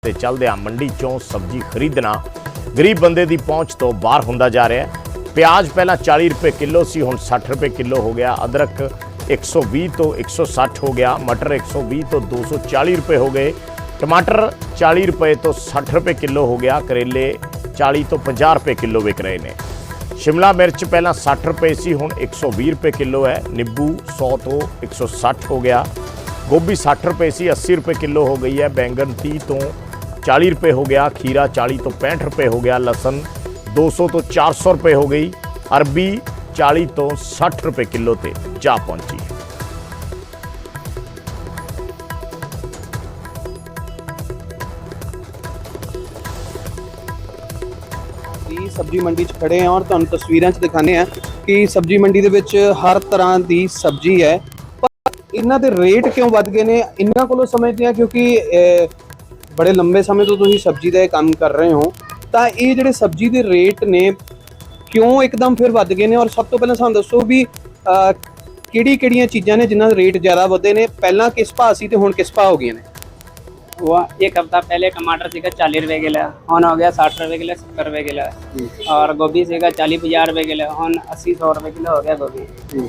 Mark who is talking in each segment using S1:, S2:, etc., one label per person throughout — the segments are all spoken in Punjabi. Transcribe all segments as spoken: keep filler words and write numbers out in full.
S1: ਤੇ ਚੱਲਦਿਆਂ ਮੰਡੀ ਚੋਂ ਸਬਜ਼ੀ ਖਰੀਦਣਾ ਗਰੀਬ ਬੰਦੇ ਦੀ ਪਹੁੰਚ ਤੋਂ ਬਾਹਰ ਹੁੰਦਾ ਜਾ ਰਿਹਾ ਹੈ। ਪਿਆਜ਼ ਪਹਿਲਾਂ चालीस रुपए किलो सी, हुण साठ रुपए किलो हो गया। अदरक एक सौ बीस तो एक सौ साठ हो गया। मटर एक सौ बीस तो दो सौ चालीस रुपए हो गए। टमाटर चालीस रुपए तो साठ रुपए किलो हो गया। करेले चालीस तो पचास रुपए किलो विक रहे हैं। शिमला मिर्च पहला साठ रुपए सी, हुण एक सौ बीस रुपए किलो है। नींबू सौ तो एक सौ साठ हो गया। गोभी साठ रुपए सी, अस्सी रुपए किलो हो गई है। बैंगन तीस तो चालीस रुपए हो गया। खीरा चालीस तो पैंठ रुपए हो गया। लहसुन दो सौ तो चार सौ रुपए हो गई। अरबी चालीस तो साठ रुपए किलो ते जा पहुंची।
S2: सब्जी मंडी च खड़े हैं और तुहानूं तस्वीरां च दिखाने हैं कि सब्जी मंडी दे विच हर तरह की सब्जी है, पर इन्हां दे रेट क्यों वध गए ने? इन्हां कोलों समझदे हैं क्योंकि बड़े लंबे समय तो तुसीं सब्जी दा काम कर रहे हो, ਤਾਂ ਇਹ ਜਿਹੜੇ ਸਬਜ਼ੀ ਦੇ ਰੇਟ ਨੇ ਕਿਉਂ ਇੱਕਦਮ ਫਿਰ ਵੱਧ ਗਏ ਨੇ? ਔਰ ਸਭ ਤੋਂ ਪਹਿਲਾਂ ਸਾਨੂੰ ਦੱਸੋ ਵੀ ਕਿਹੜੀ ਕਿਹੜੀਆਂ ਚੀਜ਼ਾਂ ਨੇ ਜਿਨ੍ਹਾਂ ਦੇ ਰੇਟ ਜ਼ਿਆਦਾ ਵਧੇ ਨੇ? ਪਹਿਲਾਂ ਕਿਸ ਭਾਅ ਸੀ ਤੇ ਹੁਣ ਕਿਸ ਭਾਅ ਹੋ ਗਏ ਨੇ?
S3: वो एक हफ्ता पहले टमाटर सीगा चालीस रुपए किलो, हुन हो गया साठ रुपए किलो, सत्तर रुपए किलो। और गोभी सीगा चालीस पचास रुपए किलो, हुन अस्सी सौ रुपए किलो हो गया गोभी।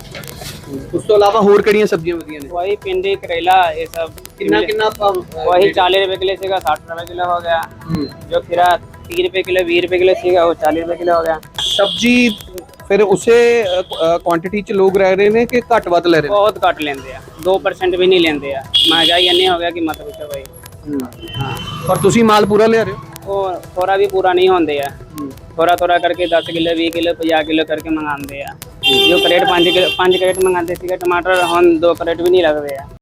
S2: ਉਸ ਤੋਂ ਇਲਾਵਾ ਹੋਰ ਕਿਹੜੀਆਂ ਸਬਜ਼ੀਆਂ ਵਧੀਆਂ ਨੇ?
S3: वही भिंडी करेला ये सब
S2: कितना कितना
S3: वही चालीस रुपए किलो सीगा, साठ रुपए किलो हो गया। जो खीरा तीस रुपए किलो बीस रुपए किलो सीगा वो चालीस रुपए किलो हो गया।
S2: सब्जी फिर उसे क्वांटिटी च लोग रह रहे हैं कि घट वध ले रहे हैं?
S3: बहुत घट लेंदे आ, दो परसेंट भी नहीं लेंदे आ। महंगाई इन्नी हो गया कि मत पूछो भाई।
S2: हाँ, पर तुसी माल पूरा ले रहे हो?
S3: वो थोड़ा भी पूरा नहीं होंदे आ, थोड़ा थोड़ा करके दस किलो बीस किलो पचास किलो करके मंगाते हैं। जो करेट पाँच किलो पाँच करेट मंगाते थे टमाटर, हम दो करेट भी नहीं लगते हैं।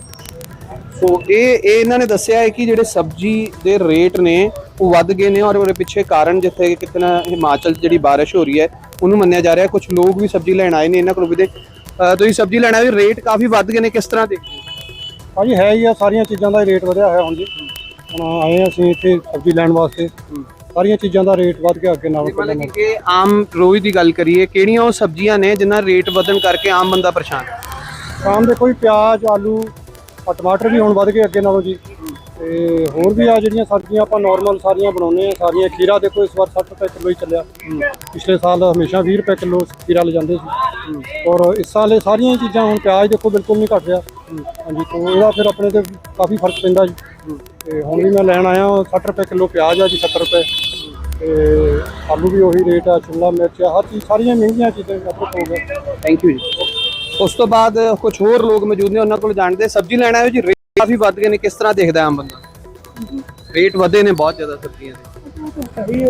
S2: ਸੋ ਇਹ ਇਹ ਇਹਨਾਂ ਨੇ ਦੱਸਿਆ ਹੈ ਕਿ ਜਿਹੜੇ ਸਬਜ਼ੀ ਦੇ ਰੇਟ ਨੇ ਉਹ ਵੱਧ ਗਏ ਨੇ, ਔਰ ਉਹਦੇ ਪਿੱਛੇ ਕਾਰਨ ਜਿੱਥੇ ਕਿਤੇ ਨਾ ਹਿਮਾਚਲ 'ਚ ਜਿਹੜੀ ਬਾਰਿਸ਼ ਹੋ ਰਹੀ ਹੈ ਉਹਨੂੰ ਮੰਨਿਆ ਜਾ ਰਿਹਾ। ਕੁਝ ਲੋਕ ਵੀ ਸਬਜ਼ੀ ਲੈਣ ਆਏ ਨੇ ਇਹਨਾਂ ਕੋਲ ਵੀ ਦੇ ਤੁਸੀਂ ਸਬਜ਼ੀ ਲੈਣਾ ਵੀ ਰੇਟ ਕਾਫੀ ਵੱਧ ਗਏ ਨੇ, ਕਿਸ ਤਰ੍ਹਾਂ ਦੇ?
S4: ਹਾਂਜੀ ਹੈ ਹੀ ਆ, ਸਾਰੀਆਂ ਚੀਜ਼ਾਂ ਦਾ ਰੇਟ ਵਧਿਆ ਹੋਇਆ ਹੁਣ ਜੀ। ਹੁਣ ਆਏ ਅਸੀਂ ਇੱਥੇ ਸਬਜ਼ੀ ਲੈਣ ਵਾਸਤੇ, ਸਾਰੀਆਂ ਚੀਜ਼ਾਂ ਦਾ ਰੇਟ ਵੱਧ ਗਿਆ ਅੱਗੇ ਨਾਲੋਂ ਪਹਿਲਾਂ।
S2: ਮਤਲਬ ਕਿ ਆਮ ਰੋਜ਼ ਦੀ ਗੱਲ ਕਰੀਏ, ਕਿਹੜੀਆਂ ਉਹ ਸਬਜ਼ੀਆਂ ਨੇ ਜਿਨ੍ਹਾਂ ਰੇਟ ਵਧਣ ਕਰਕੇ ਆਮ ਬੰਦਾ ਪਰੇਸ਼ਾਨ ਹੈ?
S4: ਸ਼ਾਮ ਦੇ ਕੋਈ ਪਿਆਜ਼ ਆਲੂ ਆ ਟਮਾਟਰ ਵੀ ਹੁਣ ਵੱਧ ਗਏ ਅੱਗੇ ਨਾਲੋਂ ਜੀ। ਤੇ ਹੋਰ ਵੀ ਆ ਜਿਹੜੀਆਂ ਸਬਜ਼ੀਆਂ ਆਪਾਂ ਨੋਰਮਲ ਸਾਰੀਆਂ ਬਣਾਉਂਦੇ ਆ ਸਾਰੀਆਂ। ਖੀਰਾ ਦੇਖੋ ਇਸ ਵਾਰ ਸੱਠ ਰੁਪਏ ਕਿਲੋ ਹੀ ਚੱਲਿਆ, ਪਿਛਲੇ ਸਾਲ ਹਮੇਸ਼ਾ ਵੀਹ ਰੁਪਏ ਕਿਲੋ ਖੀਰਾ ਲੈ ਜਾਂਦੇ ਸੀ, ਔਰ ਇਸ ਸਾਲ ਇਹ ਸਾਰੀਆਂ ਚੀਜ਼ਾਂ ਹੁਣ ਪਿਆਜ਼ ਦੇਖੋ ਬਿਲਕੁਲ ਨਹੀਂ ਘਟ ਰਿਹਾ। ਹਾਂਜੀ, ਤੋਂ ਇਹਦਾ ਫਿਰ ਆਪਣੇ ਤੇ ਕਾਫੀ ਫਰਕ ਪੈਂਦਾ ਜੀ। ਤੇ ਹੁਣ ਵੀ ਮੈਂ ਲੈਣ ਆਇਆ ਸੱਠ ਰੁਪਏ ਕਿਲੋ ਪਿਆਜ਼ ਆ ਜੀ, ਸੱਤਰ ਰੁਪਏ। ਤੇ ਆਲੂ ਵੀ ਉਹੀ ਰੇਟ ਆ, ਸ਼ਿਮਲਾ ਮਿਰਚ ਆ, ਹਰ ਚੀਜ਼ ਸਾਰੀਆਂ ਮਹਿੰਗੀਆਂ ਚੀਜ਼ਾਂ ਅਦਰਕ ਹੋ ਗਿਆ।
S2: ਥੈਂਕ ਯੂ ਜੀ। ਉਸ ਤੋਂ ਬਾਅਦ ਕੁਝ ਹੋਰ ਲੋਕ ਮੌਜੂਦ ਨੇ, ਉਹਨਾਂ ਕੋਲ ਜਾਣਦੇ। ਸਬਜ਼ੀ ਲੈਣਾ ਹੈ ਜੀ, ਰੇਟ ਕਾਫੀ ਵੱਧ ਗਏ ਨੇ, ਕਿਸ ਤਰ੍ਹਾਂ ਦੇਖਦਾ ਆਮ ਬੰਦਾ? ਰੇਟ ਵਧੇ ਨੇ ਬਹੁਤ ਜ਼ਿਆਦਾ ਸਬਜ਼ੀਆਂ ਦੇ।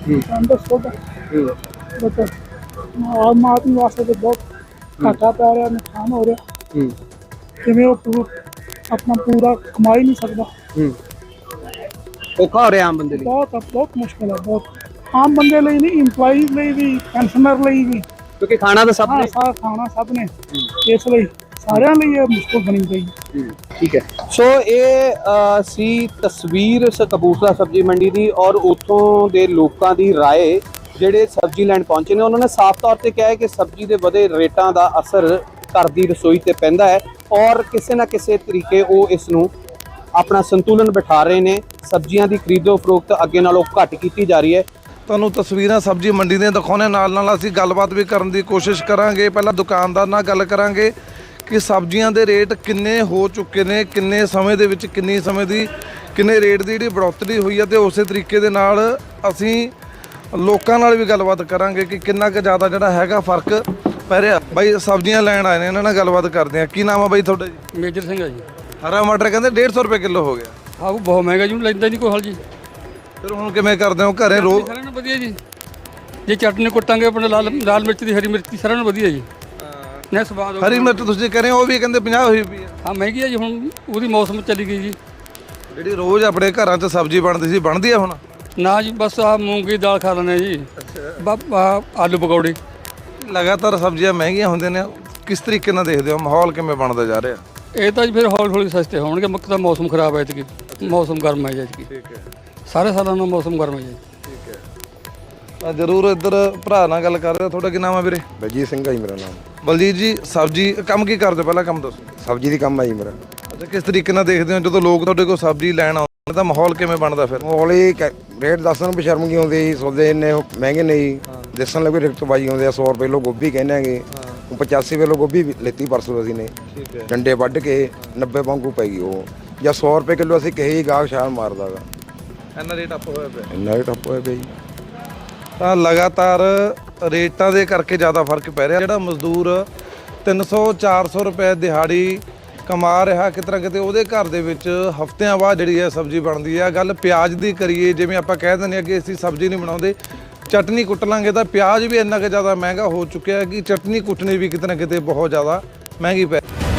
S5: ਆਮ ਆਦਮੀ ਵਾਸਤੇ ਤਾਂ ਬਹੁਤ ਘਾਟਾ ਪੈ ਰਿਹਾ, ਨੁਕਸਾਨ ਹੋ ਰਿਹਾ। ਜਿਵੇਂ ਉਹ ਪੂਰਾ ਆਪਣਾ ਪੂਰਾ ਕਮਾ ਹੀ ਨਹੀਂ ਸਕਦਾ।
S2: ਔਖਾ ਹੋ ਰਿਹਾ ਆਮ ਬੰਦੇ ਲਈ,
S5: ਬਹੁਤ ਬਹੁਤ ਮੁਸ਼ਕਿਲ ਹੈ, ਬਹੁਤ। ਆਮ ਬੰਦੇ ਲਈ ਨਹੀਂ, ਇੰਪਲਾਈਜ਼ ਲਈ ਵੀ, ਪੈਨਸ਼ਨਰ ਲਈ ਵੀ,
S2: ਕਿਉਂਕਿ ਖਾਣਾ ਤਾਂ ਸਭ ਨੇ,
S5: ਸਾਰਾ ਖਾਣਾ ਸਭ ਨੇ, ਇਸ ਲਈ ਸਾਰਿਆਂ ਲਈ ਇਹ ਮੁਸ਼ਕਿਲ ਬਣੀ ਪਈ।
S2: ਠੀਕ ਹੈ। ਸੋ ਇਹ ਸੀ ਤਸਵੀਰ ਕਪੂਰਥਲਾ ਸਬਜ਼ੀ ਮੰਡੀ ਦੀ, ਔਰ ਉੱਥੋਂ ਦੇ ਲੋਕਾਂ ਦੀ ਰਾਏ ਜਿਹੜੇ ਸਬਜ਼ੀ ਲੈਣ ਪਹੁੰਚੇ ਨੇ। ਉਹਨਾਂ ਨੇ ਸਾਫ਼ ਤੌਰ ਤੇ ਕਿਹਾ ਹੈ ਕਿ ਸਬਜ਼ੀ ਦੇ ਵਧੇ ਰੇਟਾਂ ਦਾ ਅਸਰ ਘਰ ਦੀ ਰਸੋਈ ਤੇ ਪੈਂਦਾ ਹੈ, ਔਰ ਕਿਸੇ ਨਾ ਕਿਸੇ ਤਰੀਕੇ ਉਹ ਇਸ ਨੂੰ ਆਪਣਾ ਸੰਤੁਲਨ ਬਿਠਾ ਰਹੇ ਨੇ। ਸਬਜ਼ੀਆਂ ਦੀ ਖਰੀਦੋ ਫਰੋਖਤ ਅੱਗੇ ਨਾਲੋਂ ਘੱਟ ਕੀਤੀ ਜਾ ਰਹੀ ਹੈ।
S6: ਤੁਹਾਨੂੰ ਤਸਵੀਰਾਂ ਸਬਜ਼ੀ ਮੰਡੀ ਦੀਆਂ ਦਿਖਾਉਂਦੇ, ਨਾਲ ਨਾਲ ਅਸੀਂ ਗੱਲਬਾਤ ਵੀ ਕਰਨ ਦੀ ਕੋਸ਼ਿਸ਼ ਕਰਾਂਗੇ। ਪਹਿਲਾਂ ਦੁਕਾਨਦਾਰ ਨਾਲ ਗੱਲ ਕਰਾਂਗੇ ਕਿ ਸਬਜ਼ੀਆਂ ਦੇ ਰੇਟ ਕਿੰਨੇ ਹੋ ਚੁੱਕੇ ਨੇ, ਕਿੰਨੇ ਸਮੇਂ ਦੇ ਵਿੱਚ ਕਿੰਨੀ ਸਮੇਂ ਦੀ ਕਿੰਨੇ ਰੇਟ ਦੀ ਜਿਹੜੀ ਬੜੋਤਰੀ ਹੋਈ ਹੈ, ਤੇ ਉਸੇ ਤਰੀਕੇ ਦੇ ਨਾਲ ਅਸੀਂ ਲੋਕਾਂ ਨਾਲ ਵੀ ਗੱਲਬਾਤ ਕਰਾਂਗੇ ਕਿ ਕਿੰਨਾ ਕੁ ਜ਼ਿਆਦਾ ਜਿਹੜਾ ਹੈਗਾ ਫਰਕ ਪੈ ਰਿਹਾ। ਬਾਈ ਸਬਜ਼ੀਆਂ ਲੈਣ ਆਏ ਨੇ, ਇਹਨਾਂ ਨਾਲ ਗੱਲਬਾਤ ਕਰਦੇ ਹਾਂ। ਕੀ ਨਾਮ ਆ ਬਾਈ ਤੁਹਾਡਾ ਜੀ?
S7: ਮੇਜਰ ਸਿੰਘ ਆ ਜੀ।
S6: ਹਰਾ ਮਟਰ ਕਹਿੰਦੇ ਡੇਢ ਸੌ ਰੁਪਏ ਕਿਲੋ ਹੋ ਗਿਆ।
S7: ਆਹ ਬਹੁਤ ਮਹਿੰਗਾ ਜੀ, ਲੈਂਦਾ ਨਹੀਂ ਕੋਈ ਹਲ ਜੀ।
S6: ਫਿਰ ਹੁਣ ਕਿਵੇਂ ਕਰਦੇ ਹੋ ਘਰੇ? ਰੋ
S7: ਸਾਰਿਆਂ ਨੂੰ ਵਧੀਆ ਜੀ, ਜੇ ਚਟਨੀ ਕੁੱਟਾਂਗੇ ਆਪਣੇ ਲਾਲ ਲਾਲ ਮਿਰਚ ਦੀ, ਹਰੀ ਮਿਰਚ ਦੀ, ਸਾਰਿਆਂ ਨੂੰ ਵਧੀਆ ਜੀ। ਨਾ ਸਵਾਦ
S6: ਹਰੀ ਮਿਰਚ ਤੁਸੀਂ ਕਹ ਰਹੇ ਹੋ, ਉਹ ਵੀ ਕਹਿੰਦੇ ਪੰਜਾਹ ਹੋਈ ਪਈ ਹੈ।
S7: ਹਾਂ ਮਹਿੰਗੀ ਹੈ ਜੀ, ਹੁਣ ਉਹਦੀ ਮੌਸਮ ਚਲੀ ਗਈ ਜੀ।
S6: ਜਿਹੜੀ ਰੋਜ਼ ਆਪਣੇ ਘਰਾਂ 'ਚ ਸਬਜ਼ੀ ਬਣਦੀ ਸੀ, ਬਣਦੀ ਆ ਹੁਣ?
S7: ਨਾ ਜੀ, ਬਸ ਆਹ ਮੂੰਗੀ ਦਾਲ ਖਾ ਲੈਂਦੇ ਜੀ, ਆਲੂ ਪਕੌੜੇ।
S6: ਲਗਾਤਾਰ ਸਬਜ਼ੀਆਂ ਮਹਿੰਗੀਆਂ ਹੁੰਦੀਆਂ ਨੇ, ਕਿਸ ਤਰੀਕੇ ਨਾਲ ਦੇਖਦੇ ਹੋ? ਮਾਹੌਲ ਕਿਵੇਂ ਬਣਦਾ ਜਾ ਰਿਹਾ?
S7: ਇਹ ਤਾਂ ਜੀ ਫਿਰ ਹੌਲੀ ਹੌਲੀ ਸਸਤੇ ਹੋਣਗੇ। ਮੁੱਕ ਤਾਂ ਮੌਸਮ ਖਰਾਬ ਹੈ ਇਤਕੀ, ਮੌਸਮ ਗਰਮ ਹੈ ਜੀ।
S6: ਠੀਕ ਹੈ,
S7: ਸਾਰੇ ਸਾਲਾਂ ਦਾ ਮੌਸਮ ਗਰਮ ਹੈ ਜੀ।
S6: ਠੀਕ ਹੈ। ਤਾਂ ਜ਼ਰੂਰ ਇੱਧਰ ਭਰਾ ਨਾਲ ਗੱਲ ਕਰ ਰਹੇ। ਤੁਹਾਡਾ ਕੀ ਨਾਮ ਹੈ ਵੀਰੇ?
S8: ਬਲਜੀਤ ਸਿੰਘ ਹੈ ਜੀ ਮੇਰਾ ਨਾਮ।
S6: ਬਲਜੀਤ ਜੀ, ਸਬਜ਼ੀ ਕੰਮ ਕੀ ਕਰਦੇ ਹੋ? ਪਹਿਲਾਂ ਕੰਮ ਦੱਸੋ।
S8: ਸਬਜ਼ੀ ਦੀ ਕੰਮ ਹੈ ਜੀ ਮੇਰਾ।
S6: ਅੱਛਾ, ਕਿਸ ਤਰੀਕੇ ਨਾਲ ਦੇਖਦੇ ਹੋ ਜਦੋਂ ਲੋਕ ਤੁਹਾਡੇ ਕੋਲ ਸਬਜ਼ੀ ਲੈਣ ਆਉਂਦੇ? ਤਾਂ ਮਾਹੌਲ ਕਿਵੇਂ ਬਣਦਾ ਫਿਰ?
S8: ਮੋਲੀ ਰੇਟ ਦੱਸਣ ਵੀ ਸ਼ਰਮ ਕੀ ਆਉਂਦੀ ਜੀ, ਸੌਦੇ ਇੰਨੇ ਉਹ ਮਹਿੰਗੇ ਨੇ ਜੀ। ਦੱਸਣ ਲੱਗੇ ਰਿਕਤਬਾਜੀ ਆਉਂਦੇ ਆ, ਸੌ ਰੁਪਏ ਕਿਲੋ ਗੋਭੀ ਕਹਿੰਦੇ ਹੈਗੇ, ਪਚਾਸੀ ਕਿਲੋ ਗੋਭੀ ਲੈਤੀ ਪਰਸੋਂ ਅਸੀਂ ਨੇ, ਡੰਡੇ ਵੱਢ ਕੇ ਨੱਬੇ ਵਾਂਗੂ ਪੈ ਗਈ ਉਹ, ਜਾਂ ਸੌ ਰੁਪਏ ਕਿਲੋ ਅਸੀਂ ਕਹੇ ਹੀ ਗਾਹਕ ਛਾਲ ਮਾਰਦਾ ਗਾ,
S6: ਇੰਨਾ ਰੇਟ ਅਪ ਹੋਇਆ ਪਿਆ।
S8: ਇੰਨਾ ਹੀ ਟੱਪ ਹੋਇਆ ਪਿਆ ਜੀ।
S6: ਤਾਂ ਲਗਾਤਾਰ ਰੇਟਾਂ ਦੇ ਕਰਕੇ ਜ਼ਿਆਦਾ ਫਰਕ ਪੈ ਰਿਹਾ। ਜਿਹੜਾ ਮਜ਼ਦੂਰ ਤਿੰਨ ਸੌ ਚਾਰ ਸੌ ਰੁਪਏ ਦਿਹਾੜੀ ਕਮਾ ਰਿਹਾ, ਕਿਤੇ ਨਾ ਕਿਤੇ ਉਹਦੇ ਘਰ ਦੇ ਵਿੱਚ ਹਫ਼ਤਿਆਂ ਬਾਅਦ ਜਿਹੜੀ ਹੈ ਸਬਜ਼ੀ ਬਣਦੀ ਹੈ। ਗੱਲ ਪਿਆਜ਼ ਦੀ ਕਰੀਏ, ਜਿਵੇਂ ਆਪਾਂ ਕਹਿ ਦਿੰਦੇ ਹਾਂ ਕਿ ਅਸੀਂ ਸਬਜ਼ੀ ਨਹੀਂ ਬਣਾਉਂਦੇ, ਚਟਨੀ ਕੁੱਟ ਲਾਂਗੇ, ਤਾਂ ਪਿਆਜ਼ ਵੀ ਇੰਨਾ ਕੁ ਜ਼ਿਆਦਾ ਮਹਿੰਗਾ ਹੋ ਚੁੱਕਿਆ ਹੈ ਕਿ ਚਟਨੀ ਕੁੱਟਣੀ ਵੀ ਕਿਤੇ ਨਾ ਕਿਤੇ ਬਹੁਤ ਜ਼ਿਆਦਾ ਮਹਿੰਗੀ ਪੈ